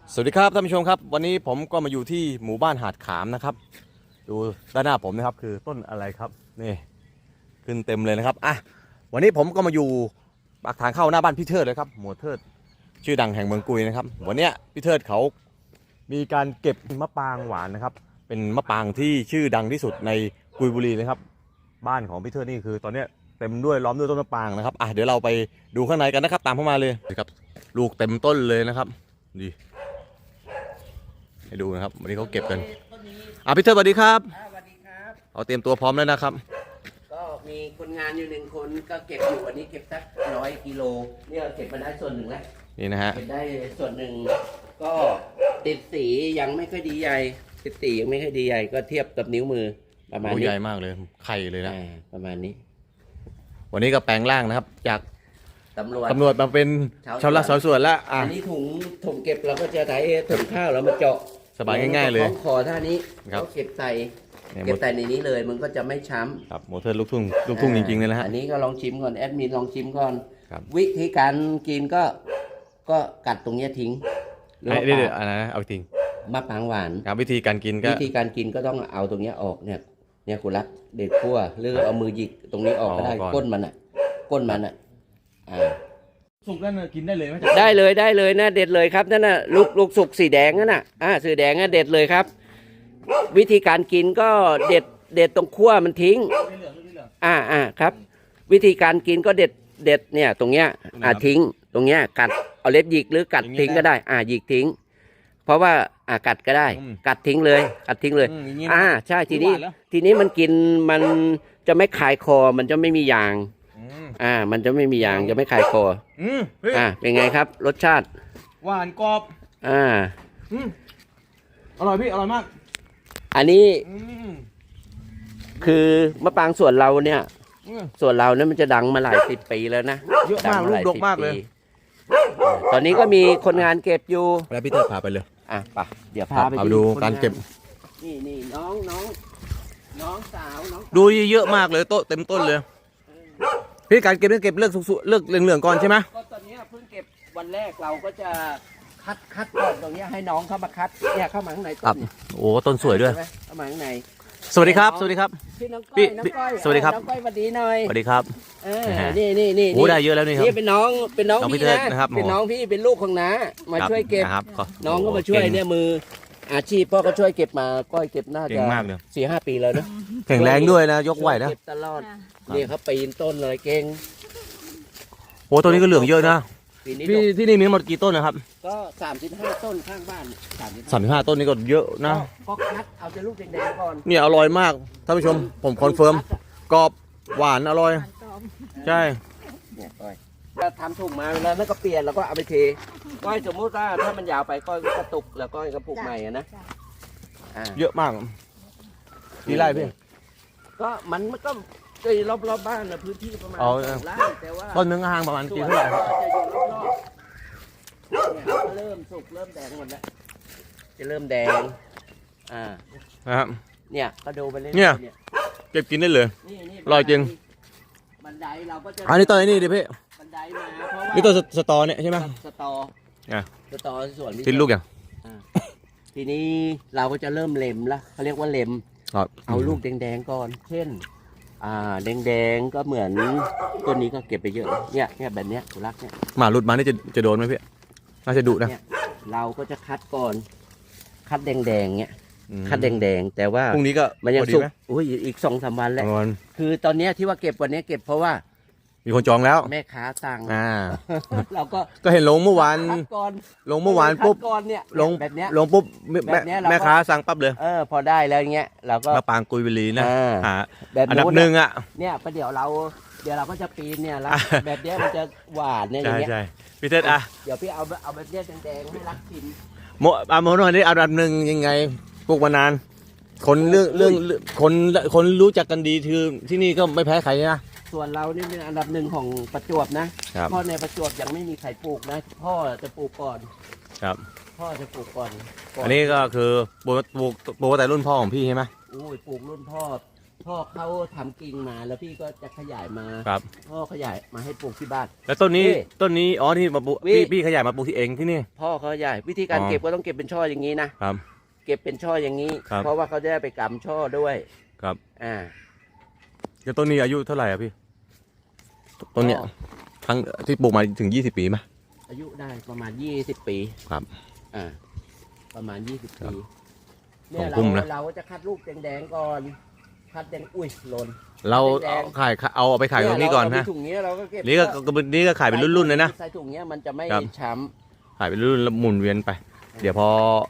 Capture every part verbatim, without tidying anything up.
สวัสดีครับท่านผู้ชมครับวันนี้ผมก็มาอยู่ที่หมู่บ้านหาดขามนะครับดูด้านหน้าผมนะครับคือต้นอะไรครับนี่ขึ้นเต็มเลยนะครับอ่ะวันนี้ผมก็มาอยู่ปากทางเข้าหน้าบ้านพี่เทิดเลยครับหมวดเทิดชื่อดังแห่งเมืองกุยนะครับวันนี้พี่เทิดเขามีการเก็บมะปรางหวานนะครับเป็นมะปรางที่ชื่อดังที่สุดในกุยบุรีนะครับบ้านของพี่เทิดนี่คือตอนนี้เต็มด้วยล้อมด้วยต้นมะปรางนะครับอ่ะเดี๋ยวเราไปดูข้างในกันนะครับตามเข้ามาเลยครับลูกเต็มต้นเลยนะครับดีให้ดูนะครับวันนี้เขาเก็บกันอ่ะพี่เทิดสวัสดีครับสวัสดีครับเอาเตรียมตัวพร้อมแล้วนะครับก็มีคนงานอยู่หนึ่งคนก็เก็บอยู่วันนี้เก็บสักร้อยกิโลนี่เราเก็บมาได้ส่วนหนึ่งแล้วนี่นะฮะเก็บได้ส่วนหนึ่งก็ติดสียังไม่ค่อยดีใหญ่ติดสียังไม่ค่อยดีใหญ่ก็เทียบกับนิ้วมือประมาณนี้ใหญ่มากเลยไข่เลยนะประมาณนี้วันนี้ก็แปลงร่างนะครับจากตำรวจตำรวจมาเป็นชาวละสาวสวนแล้วอันนี้ถุงถุงเก็บเราก็จะใช้ถุงข้าวแล้วมาเจาะสบายง่ายๆเลยคอท่านี้เขาเก็บใส่เก็บใส่ในนี้เลยมันก็จะไม่ช้ำครับโมเทอร์ลูกทุ่งลูกทุ่งจริงๆเลยนะฮะอันนี้ก็ลองชิมก่อนแอดมินลองชิมก่อนวิธีการกินก็ก็กัดตรงนี้ทิ้งหรือเดี๋ยวอะไรนะเอาทิ้งมะปรางหวานครับวิธีการกินก็วิธีการกินก็ต้องเอาตรงนี้ออกเนี่ยเนี่ยคุณรักเด็ดขั้วหรือเอามือหยิกตรงนี้ออกก็ได้ก้นมันอ่ะก้นมันอ่ะอ่าสุกแล้วกินได้เลยไหมได้เลยได้เลยนะเด็ดเลยครับนั่นน่ะลูกลูกสุกสีแดงนั่นน่ะอ่าสีแดงน่ะเด็ดเลยครับวิธีการกินก็เด็ดเด็ดตรงขั้วมันทิ้งอ่าอ่าครับวิธีการกินก็เด็ดเด็ดเนี่ยตรงเนี้ยอ่าทิ้งตรงเนี้ยกัดเอาเล็บหยิกหรือกัดทิ้งก็ได้อ่าหยิกทิ้งเพราะว่าอ่ากัดก็ได้กัดทิ้งเลยกัดทิ้งเลยอ่าใช่ทีนี้ทีนี้มันกินมันจะไม่คายคอมันจะไม่มียางอ่ามันจะไม่มียางจะไม่คายคออ่าเป็นไงครับรสชาติหวานกรอบอ่าอร่อยพี่อร่อยมากอันนี้คือมะปรางส่วนเราเนี่ยส่วนเราเนี่ยมันจะดังมาหลายสิบปีแล้วนะเยอะมากลูกดกมากเลยตอนนี้ก็มีคนงานเก็บอยู่แล้วพี่เตอร์พาไปเลยอ่ะไปเดี๋ยวพาไปดูการเก็บนี่นี่น้องน้องน้องสาวน้องดูเยอะมากเลยโต๊ะเต็มต้นเลยพี่การเก็บเก็บเลือกสุกๆเลือกเหลืองๆก่อนใช่ไหมก็ตอนนี้เพิ่งเก็บวันแรกเราก็จะคัดคัดก่อนตรงนี้ให้น้องเข้ามาคัดเนี่ยเข้ามาข้างในต้นโอ้ต้นสวยด้วยเข้ามาข้างในสวัสดีครับสวัสดีครับพี่น้องก้อยน้องก้อยสวัสดีครับน้องก้อยสวัสดีหน่อยสวัสดีครับเออนี่นี่นี่โอ้ได้เยอะแล้วนี่ครับนี่เป็นน้องเป็นน้องพี่นะเป็นน้องพี่เป็นลูกของน้ามาช่วยเก็บน้องก็มาช่วยเนี่ยมืออาชีพพ่อก็ช่วยเก็บมาก้อยเก็บน่าจะสี่ห้าปีแล้วนะแข็งแรงด้วยนะยกไหวนะเก็บตลอดนี่เขาปีนต้นเลยเก่งโอ้ตัวนี้ก็เหลืองเยอะนะพี่ที่นี่มีหมดกี่ต้นนะครับก็สามสิบห้าต้นข้างบ้านสามสิบห้าต้นนี่ก็เยอะนะก็คัดเอาจะลูกแดงๆก่อนเนี่ยอร่อยมากท่านผู้ชมผมคอนเฟิร์มกรอบหวานอร่อยใช่เนี่ยก้อยถ้าทำถุงมาแล้วนั่นก็เปลี่ยนแล้วก็เอาไปเทก้อยสมมติว่าถ้ามันยาวไปก้อยก็กระตุกแล้วก้อยก็ปลูกใหม่นะเยอะมากกี่ไร่พี่ก็มันก็ก็รอบรอบบ้านนะพื้นที่ประมาณไร่แต่ว่าต้นนึงห่างประมาณกี่เท่าไหร่ครับจะอยู่รอบๆเนี่ยเริ่มสุกเริ่มแดงหมดแล้วจะเริ่มแดงอ่าครับเนี่ยก็ดูไปเรื่อยเนี่ยเก็บกินได้เลยอร่อยจริงบันไดเราก็จะอันนี้ต้นนี้ดิพี่บันไดมาเพราะว่านี่ต้นสตอเนี่ยใช่ไหมสตออ่ะสตอส่วนกินลูกอย่างทีนี้เราก็จะเริ่มเล็มละเขาเรียกว่าเล็มเอาลูกแดงๆก่อนเช่นอ่าแดงๆก็เหมือนต้นนี้ก็เก็บไปเยอะเนี่ยเนี่ยแบบเนี้ยกุลักเนี่ยหมาหลุดมานี่จะจะโดนไหมพี่น่าจะดุนะเราก็จะคัดก่อนคัดแดงๆเนี่ยคัดแดงๆแต่ว่าพรุ่งนี้ก็มันยังสุกอุ้ยอีกสองสามวันแล้วคือตอนนี้ที่ว่าเก็บวันนี้เก็บเพราะว่ามีคนจองแล้วแม่ค้าสั่งอ่าเราก็ก็เห็นลงเมื่อวานลงเมื่อวานปุ๊บลงแบบเนี้ยลงปุ๊บแม่ค้าสั่งปั๊บเลยเออพอได้แล้วเงี้ยเราก็มาปางกุยบุรีนะแบบอันดับหนึ่งอ่ะเนี่ยประเดี๋ยวเราเดี๋ยวเราก็จะปีนเนี่ยแล้วแบบเนี้ยมันจะหวานเนี่ยอย่างเงี้ยใช่พี่เทศอ่ะเดี๋ยวพี่เอาเอาแบบเนี้ยแดงๆให้รักกินโมอาโมโนนี่อันดับหนึ่งยังไงปลูกมานานคนเรื่องเรื่องคนคนรู้จักกันดีคือที่นี่ก็ไม่แพ้ใครนะส่วนเรานี่เป็นอันดับหนึ่งของประจวบนะพ่อในประจวบยังไม่มีใครปลูกนะพ่อจะปลูกก่อนครับพ่อจะปลูกก่อนอันนี้ก็คือปลูกปลูกปลูกแต่รุ่นพ่อของพี่ใช่ไหมอุ้ยปลูกรุ่นพ่อพ่พ่อเขาทำกิ่งมาแล้วพี่ก็จะขยายมาครับพ่อขยายมาให้ปลูกที่บ้านแล้วต้นนี้นี่ต้นนี้อ๋อที่มาปลูกวิพี่พี่ขยายมาปลูกที่เองที่นี่พ่อเขาขยายวิธีการอ๋อเก็บก็ต้องเก็บเป็นช่ออย่างนี้นะครับ เก็บเป็นช่ออย่างนี้ครับเพราะว่าเขาจะได้ไปกำช่อด้วยครับอ่าแล้วต้นนี้อายุเท่าไหร่อะพี่ต้นเนี้ยก็ทั้งที่ปลูกมาถึงยี่สิบปีไหมอายุได้ประมาณยี่สิบปีครับอ่าประมาณยี่สิบครัปีบเนี่ยสองเราพุ่มนะเราจะคัดลูกแดงๆก่อนคัดแดงอุ้ยหล่นเราแดงเอาขายเอาเอาไปขายตรงนี้ก่อนเยนะเราเอาไปถุงเนี้ยเราก็เก็บนี่ก็ก็นี่ก็ขายเป็นรุ่นๆเลยนะใส่ถุงเนี้ยมันจะไม่ครับช้ขายเป็นรุ่นแล้วหมุนเวียนไป เดี๋ยวพอ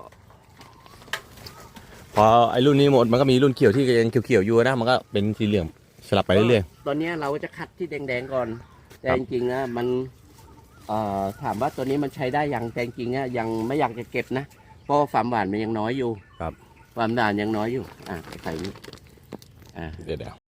พอไอ้รุ่นนี้หมดมันก็มีรุ่นเขียวที่ยังเขียวๆอยู่นะมันก็เป็นสีเหลืองสลับำไปเรื่อยตอนเนี้ยเราจะคัดที่แดงๆก่อน แต่ครับจริงๆนะมันเอ่อถามว่าตัวนี้มันใช้ได้ยังแต่จริงๆนะยังไม่อยากจะเก็บนะเพราะว่าความหวานมันยังน้อยอยู่ๆครับความหวานยังน้อยอยู่อ่ะใส่นี่อ่าเดี๋ยวเดี๋ยว